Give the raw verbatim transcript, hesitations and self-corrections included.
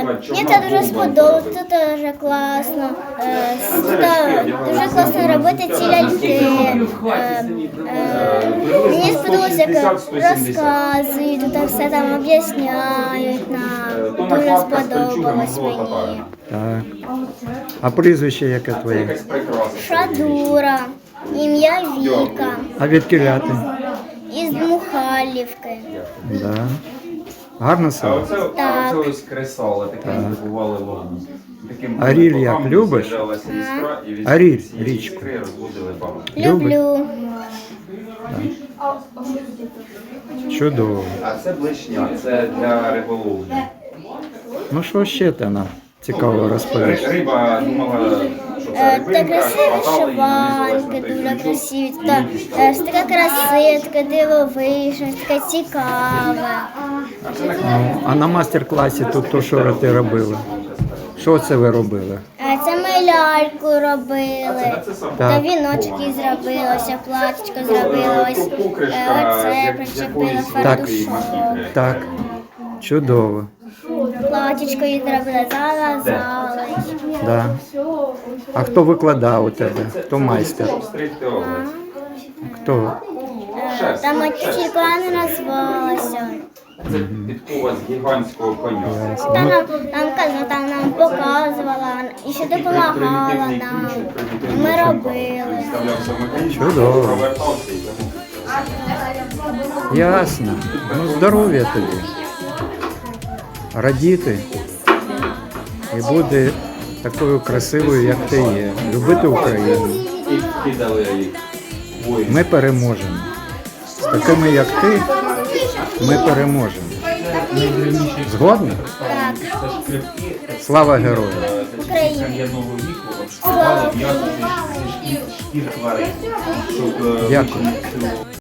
Мені це дуже сподобалось, тут дуже класно. Е, Тут дуже класно робити ці ляльки. Е, е, Мені сподобалося, як розказують, тут все там об'ясняють нам. Дуже сподобалось мені. Так. А прізвище яке твоє? Шадура, ім'я Віка, А від кіля ти? із Мухайлівки. Да. Гарно село? Так. Це ось кресало, таке бували вогні. Аріль як, любиш? Аріль, річку. Люблю. Чудово. А це блешня, це для риболовлі. Ну що ще ти нам цікаво розповіш? Риба думала, що це Е, рибинка, Та красиві хватали її, нанизувалась вишиванки, на дуже крючок. красиві. Та, е, ж така красива, така дивовижна, така цікава. Ну, а на мастер-класі тут то, що ти робила? Що це ви робили? Е, Це ми ляльку робили, Так. та віночки зробили, ось платічко зробили, ось е, оце причепили фартушок. Так, чудово. Платічко їй зробили, зав'язали. Да. А хто викладав у тебе? Хто майстер? Стригти овець. Хто? Е, Там тільки не назвалася. Це підкова з гігантського коня. Та нам, там, казала, там нам показувала і ще допомагала нам. Ми робили. Вставлявся в механізм, Чудово. провертався і тому. Ясно. Ну, здоров'я тобі. Радіти. І бути такою красивою, як ти є. Любити Україну. І кидали їх воїн. Ми переможемо. З такими, як ти, ми переможемо. Згодні? Так, Слава героям! Україна. Кам'яного віку обшкували м'ясо зі шкір тварин. Щоб, е, Дякую. вичинити цю